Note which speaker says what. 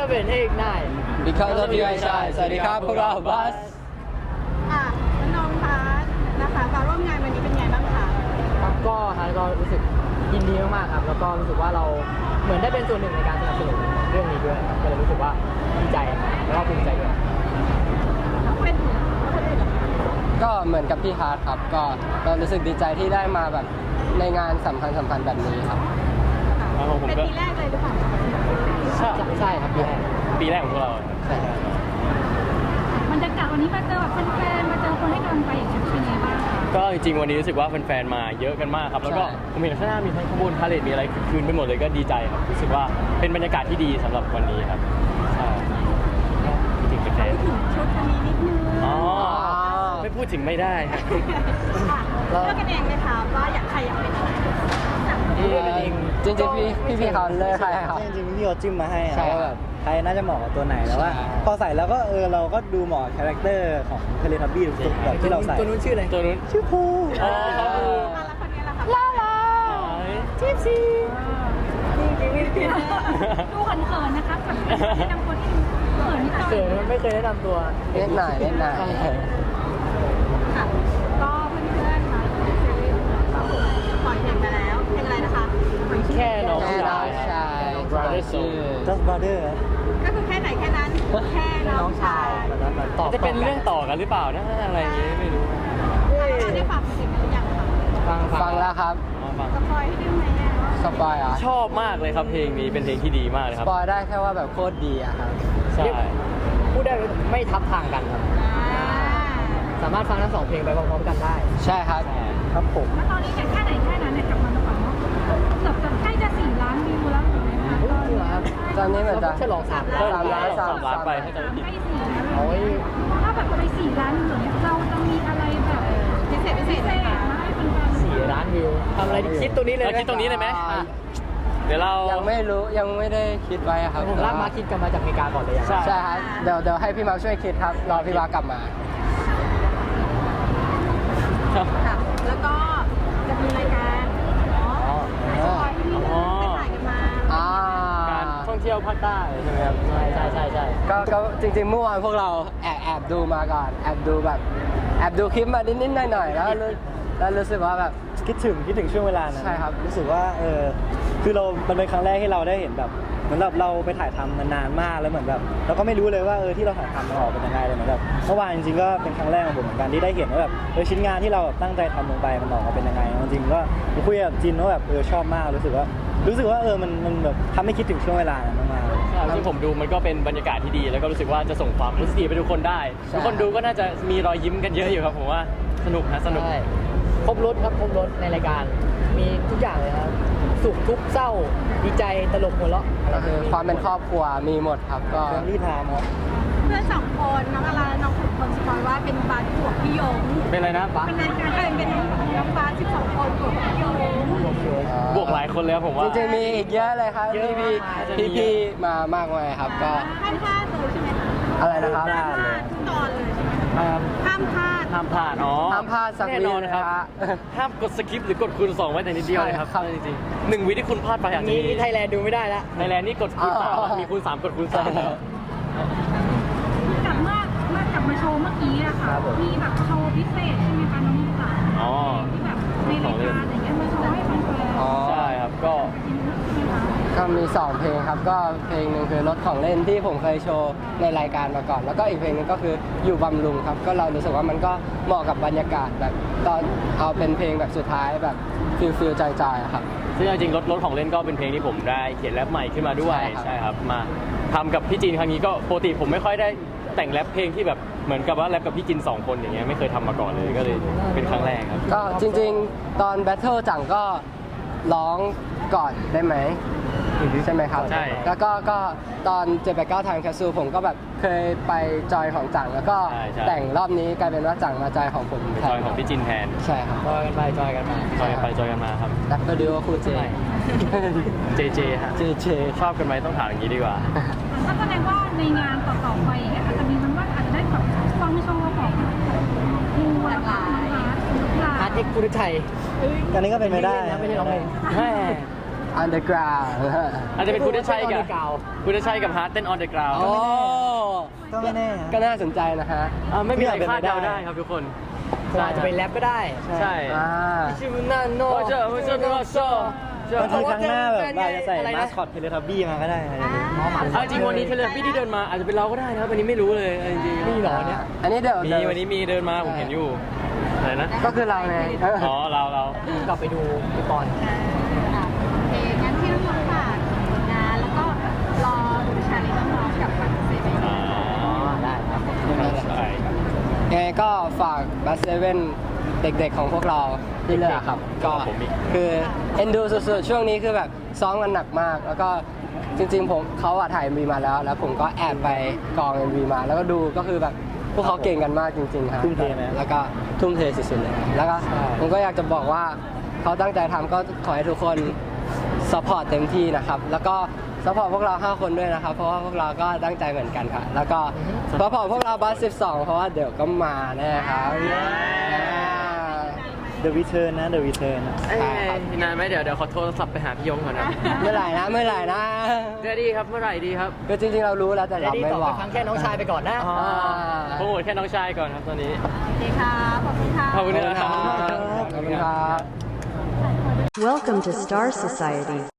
Speaker 1: love it hey ignite
Speaker 2: because of you I shine สวัสดีครับพวกเราบัส
Speaker 3: น้องคะนะคะการร่วมงานวันนี้เป็นไงบ้างคะ
Speaker 1: ครับก็รู้สึกยินดีมากๆครับแล้วก็รู้สึกว่าเราเหมือนได้เป็นส่วนหนึ่งในการสนับสนุนเรื่องนี้ด้วยก็เลยรู้สึกว่าดีใจแล้วก็ภูมิใจด้วย
Speaker 3: เป็นคนอื่นเหรอ
Speaker 2: ก็เหมือนกับพี่ฮาร์ดครับก็รู้สึกดีใจที่ได้มาแบบในงานสำคัญแบบนี้ครับ
Speaker 3: เป็นปีแรกเลยหรือเปล่า
Speaker 1: ใช่ครับ
Speaker 4: ปีแรกของพวกเรา
Speaker 2: ใช่ครับ
Speaker 3: บรรยากาศวันนี้มาเจอแบบแฟนๆมาเจอคนให้กำลังใจอย่างเงี้ยเป็นไงบ้างคะ
Speaker 4: ก็จริงๆวันนี้รู้สึกว่าแฟนๆมาเยอะกันมากครับแล้วก็ผมเห็นข้างหน้ามีทั้งขบวนพาเหรดมีอะไรคืนไปหมดเลยก็ดีใจครับรู้สึกว่าเป็นบรรยากาศที่ดีสำหรับวันนี้ครับใช่คิดถึงแฟน
Speaker 3: ถึงชุดวันนี้นิดนึง
Speaker 4: อ๋อไม่พูดถึงไม่ได้ครับ
Speaker 3: เลือกกันเองเลยค่ะว่าอยากใครอยากเป็นอะไร
Speaker 2: จริงๆพี่เขาเลือกใครครับ
Speaker 5: จริงๆพี่เขาจิ้มมาให้
Speaker 2: ใช่
Speaker 5: ว่าแบบใครน่าจะเหมาะกับตัวไหนแล้วว่า
Speaker 2: ใช่
Speaker 5: พอใส่แล้วก็เราก็ดูเหมาะกับคาแรคเตอร์ของเทเลทับบี้ทุกๆแบบที่เราใส่
Speaker 1: ตัวนู้นชื่ออะไร
Speaker 4: ตัวนู้น
Speaker 5: ชื่อภู
Speaker 4: อ๋อครับผม
Speaker 3: แล้วคนนี้ล่ะคะล่าลา
Speaker 1: ทิปซี
Speaker 3: ดูเขินๆนะคะกับแนะนำคนที่เขินนิดหน่อย
Speaker 1: เกิดไม่เคยแนะนำตัว
Speaker 2: เล่นหน่อย
Speaker 3: ค่ะก็เพื่อนๆค่ะปล่อยเพลงไปแล้วเพลงอะไรนะคะปล่อยชื่อ
Speaker 4: แค่น้อง
Speaker 2: แค่น้องชาย
Speaker 4: Brother Soul
Speaker 5: จัสบาร์เดอร์
Speaker 3: ก็คือแค่ไหนแค่นั้นแค่น้องชาย
Speaker 1: ตอบ
Speaker 4: จะเป็นเรื่องต่อกันหรือเปล่านะอะไรอย่างงี้ไม่รู้
Speaker 3: ได้ฟังเพลงกันหรือยังคะ
Speaker 2: ฟังแล้วครับ
Speaker 4: อ๋อฟัง
Speaker 3: สปอยให้ได้ไหมอ่ะ
Speaker 2: สปอยอ่ะ
Speaker 4: ชอบมากเลยครับเพลงนี้เป็นเพลงที่ดีมากเลยค
Speaker 2: ส
Speaker 4: รับ
Speaker 2: ปอยได้แค่ว่าแบบโคตรดีอะครับ
Speaker 4: ใช่
Speaker 1: พูดได้ไม่ทับทางกันครับ สามารถฟังทั้งสองเพลงไปพร้อมๆกันได้
Speaker 2: ใช่ครับ
Speaker 5: ครับผม
Speaker 3: แล้วตอนนี้แค่ไหนแค่นั้นเนี่ยกลับมาก่อนเนาะเกือบจะใกล้จะ4 ล้านวิวแล้วถูกไหมคะ
Speaker 1: จริงเหรอครับ
Speaker 2: ตอนนี้เหมือนจะ
Speaker 1: ฉลอง3
Speaker 4: เริ่
Speaker 1: ล้าม น
Speaker 4: ล้าน
Speaker 2: สาม
Speaker 4: สามล้านไปถ้าจะไม่ผิด
Speaker 3: ใกล้4แล้ว
Speaker 1: โอ้ย
Speaker 3: ถ้าแบบไป4 ล้านวิวเนี่ยเราจะมีอะไรแบบพิเศษไหมคะให้แฟนๆ
Speaker 1: 4 ล้านวิวทำอะไรดีคิดตรงนี้เลย
Speaker 4: เราคิดตรงนี้เลยไหม
Speaker 1: อ่ะ
Speaker 4: เดี๋ยวเรา
Speaker 2: ยังไม่รู้ยังไม่ได้คิดไว้ครับ
Speaker 1: ผมลากมาคิดกันมาจากอเมริกาก่อนเลยอะ
Speaker 4: ใช่
Speaker 2: ใช่ครับเดี๋ยวให้พี่มาช่วยคิดครับรอพี่มากลับมา
Speaker 4: ครับ
Speaker 3: ค่ะแล้วก็จะมีรายการเนาะสปอยที่นี่ไปถ่ายกันมา
Speaker 4: การท่องเที่ยวภาคใต้ใช่ไหมครับ
Speaker 1: ใช่
Speaker 2: ก็จริงๆเมื่อวานพวกเราแอบดูมาก่อนแอบดูคลิปมานิดๆหน่อยๆแล้วรู้สึกว่าแบบ
Speaker 5: คิดถึงช่วงเวลานั้น
Speaker 2: ใช่ครับ
Speaker 5: รู้สึกว่าคือมันเป็นครั้งแรกที่เราได้เห็นแบบเหมือนแบบเราไปถ่ายทำมานานมากแล้วเหมือนแบบเราก็ไม่รู้เลยว่าที่เราถ่ายทำมันออกเป็นยังไงเลยเหมือนแบบเมื่อวานจริงๆก็เป็นครั้งแรกของผมเหมือนกันที่ได้เห็นว่าแบบชิ้นงานที่เราแบบตั้งใจทำลงไปมันออกมาเป็นยังไงจริงๆก็คุยกับจินว่าแบบชอบมากรู้สึกว่ามันแบบทำให้คิดถึงช่วงเวลานั้นมากๆ
Speaker 4: ใช่ที่ผมดูมันก็เป็นบรรยากาศที่ดี แล้วก็รู้สึกว่าจะส่งความรู้สึกดีไปทุกคนได้
Speaker 2: ใช่
Speaker 4: ทุกคนดูก็น่าจะมีรอยยิ้มกันเยอะอยู่ครับผมว่าสนุกนะสนุก
Speaker 1: ใช่ครบรถครับครบรถในรายการมีทุกอย่างเลยครับสุขทุกข์เศร้าดีใจตลกหัวเราะอะไร
Speaker 2: ก็คือความเป็นครอบครัวมีหมดครับก็
Speaker 5: เรื่องที่ทำครับ
Speaker 3: เพื่อน2 คนน้องอาราและน้องขุนพลสปอยว่าเป็นบาสบวกพี่ยง
Speaker 4: เป็นอะไรนะ
Speaker 3: เป็นรายการเป็นน้องบาส12 คนบวกพี่ยง
Speaker 4: บวกหลายคนเลยครับผมว่า
Speaker 2: จริงๆมีอีกเยอะเลยครับ
Speaker 4: เยอะ
Speaker 2: พี่มามากมายครับก็
Speaker 3: ห้ามพลาดเลยใช่ไหมคะ
Speaker 2: อะไรนะครับ
Speaker 3: ห้ามพลาดทุกตอนเลยใช่ไหมคะห้ามพลาด
Speaker 4: ห้ามพลาดอ๋อ
Speaker 2: ห้ามพลาดสัก
Speaker 4: แน่
Speaker 2: วิ
Speaker 4: นอนครับ
Speaker 2: นะฮะ
Speaker 4: ห้ามกดสคิปหรือกดคูณ2ไว้แต่นิดเดียวเลยครับ
Speaker 2: ใช่ครับ
Speaker 4: จริงๆ1 วิที่คุณพลาดไปอาจจะ
Speaker 1: นี่
Speaker 4: มี
Speaker 1: ไทยแลนด์ดูไม่ได้ละ
Speaker 4: ในแลนด์นี่กดคูณ
Speaker 2: อ๋อ
Speaker 4: 3มีคูณ3กดคูณ3แล้ว
Speaker 3: กลับมาโชว์เมื่อกี้อะค่ะ มีแบบโชว์พิเศษใช่ไหมคะน้องสาว
Speaker 4: อ๋อ
Speaker 3: ที่แบบในรายการอย่างเงี้ยมาโชว์ให้แฟนๆ
Speaker 2: อ๋อ
Speaker 4: ใช่ครับก็
Speaker 2: ก็มี 2 เพลงครับก็เพลงหนึ่งคือรถของเล่นที่ผมเคยโชว์ในรายการมาก่อน แล้วก็อีกเพลงหนึงก็คืออยู่บำรุงครับก็เรารู้สึกว่ามันก็เหมาะกับบรรยากาศแบบตอนเอาเป็นเพลงแบบสุดท้ายแบบฟิลจอยๆอะครับ
Speaker 4: ซึ่งจริงๆรถของเล่นก็เป็นเพลงที่ผมได้เขียนแรปใหม่ขึ้นมาด้วย
Speaker 2: ใช่ครับ
Speaker 4: ใช่ครับมาทำกับพี่จีนครั้งนี้ก็ปกติผมไม่ค่อยได้แต่งแรปเพลงที่แบบเหมือนกับว่าแรปกับพี่จิน2 คนอย่างเงี้ยไม่เคยทำมาก่อนเลยก็เลยเป็นครั้งแรกครับ
Speaker 2: ก็จริงๆ ตอนแบทเทิลจังก็ร้องก่อนได้ไหมใช่ไหมครับ
Speaker 4: ใช่
Speaker 2: แล้วก็ตอน789ทางแคสซูผมก็แบบเคยไปจอยของจังแล้วก็
Speaker 4: ใช่ใช่
Speaker 2: แต่งรอบนี้กลายเป็นว่าจังมาจอยของผม
Speaker 4: เป็นจอยของพี่จินแทน
Speaker 2: ใช่ครับ
Speaker 1: จอยกันไปจอยกันมา
Speaker 4: จอยกันไปจอยกันมาครับ
Speaker 2: แรปเปอร์ดิโอคู่เจ
Speaker 4: เจเจฮะ
Speaker 2: เจเจ
Speaker 4: ชอบกันไหมต้องถามอย่างนี้ดีกว่า
Speaker 3: ก็แสดงว่าในงานต่อๆไปอย่างเงี้ยอาจจะมีมันว่าอาจจะได้แบบฟังโชว์ของครูหลากหลาย
Speaker 1: อาร์ตเอ็กซ์กุลชัย
Speaker 5: อันนี้ก็เป็นไม่ได้
Speaker 1: ไม่ใช่ร้องเพลง
Speaker 4: แม่
Speaker 2: underground
Speaker 4: อาจจะเป็นคุณได้ใช้กับ
Speaker 1: Underground
Speaker 4: คุณได้ใช้กับฮาร์ดเต้น on the ground
Speaker 2: โอ้
Speaker 5: ก็ไม่แน่
Speaker 2: ก็น่าสนใจนะฮะ
Speaker 4: ไม่มีอะไร
Speaker 5: เป็น
Speaker 4: คา
Speaker 5: ไป
Speaker 4: ดเดา
Speaker 5: ได้
Speaker 4: ได้ครับทุกคน
Speaker 1: ผมอาจจะเป็นแรปก็ได้
Speaker 4: ใช่
Speaker 2: อ่า
Speaker 1: ชิวนาโน
Speaker 4: โอ้เจ้าโอ้เจ้าโอ้เจ้า
Speaker 5: บางทีครั้งหน้าแบบเราจะใส่
Speaker 1: อะไรนะ
Speaker 5: มาสคอตเทเลทับบี้มาก็ได้อะไรอย่างเงี้ย
Speaker 4: เอาจริงวันนี้เทเลพี่ที่เดินมาอาจจะเป็นเราก็ได้นะครับวันนี้ไม่รู้เลยจริงๆ
Speaker 1: มีเหรอเนี่ย
Speaker 2: อันนี้เดี๋ยว
Speaker 4: มีวันนี้มีเดินมาผมเห็นอยู่อะไรนะ
Speaker 2: ก็คือเราไง
Speaker 4: อ๋อเรา
Speaker 1: กลับไปดูพี่ปอน
Speaker 3: โอเคงั้นที่น้องๆฝากผลงานแล้วก็รอดูชาเลนจ์น้องๆกับคอนเสิร์ต
Speaker 4: อ๋อ
Speaker 1: ได้ครับ
Speaker 4: ใช่ครับ
Speaker 2: ยังไงก็ฝากบัสเซเว่นเด็กๆของพวกเราที่เหลือครับ ก็คือเอ็นดูสุดๆช่วงนี้คือแบบซ้อมกันหนักมาก แล้วก็จริงๆผมเขาอะถ่าย MV มาแล้ว แล้วผมก็แอบไปกอง MV มา แล้วก็ดูก็คือแบบพวกเขาเก่งกันมากจริงๆครับ
Speaker 5: ทุ่มเทไหม
Speaker 2: แล้วก็ทุ่มเทสุดๆเลยแล้วก็ผมก็อยากจะบอกว่าเขาตั้งใจทำก็ขอให้ทุกคนซัพพอร์ตเต็มที่นะครับ แล้วก็ซัพพอร์ตพวกเรา 5 คนด้วยนะครับ เพราะว่าพวกเราก็ตั้งใจเหมือนกันครับแล้วก็ซัพพอร์ตพวกเราบัส12 เพราะว่าเดี๋ยวก็มาแน่ครับ
Speaker 5: เดอะวิเทิร์นนะเดอะวิเทิร์น
Speaker 4: เอ้ยนานไหมเดี๋ยวขอโทรศัพท์ไปหาพี่ยงก่อนนะ
Speaker 2: เมื่อไหร่นะ
Speaker 4: เดี๋ยวดีครับเมื่อไหร่ดีครับ
Speaker 2: คือจริงๆเรารู้แล้วแต่
Speaker 1: เดี๋ย
Speaker 2: เรา
Speaker 1: วดี
Speaker 2: ไม่
Speaker 1: ต่อบ
Speaker 2: อ
Speaker 1: ไป
Speaker 2: ก
Speaker 1: ฟังแค่น้องชายไปก่อนนะ
Speaker 4: อ๋อโปรโมทแค่น้องชายก่อนครับตอนนี้
Speaker 3: โอเคค่ะขอบคุณค่ะ
Speaker 4: ขอบคุณนะครับ
Speaker 2: ขอบคุณครับ
Speaker 6: Welcome to Star Society.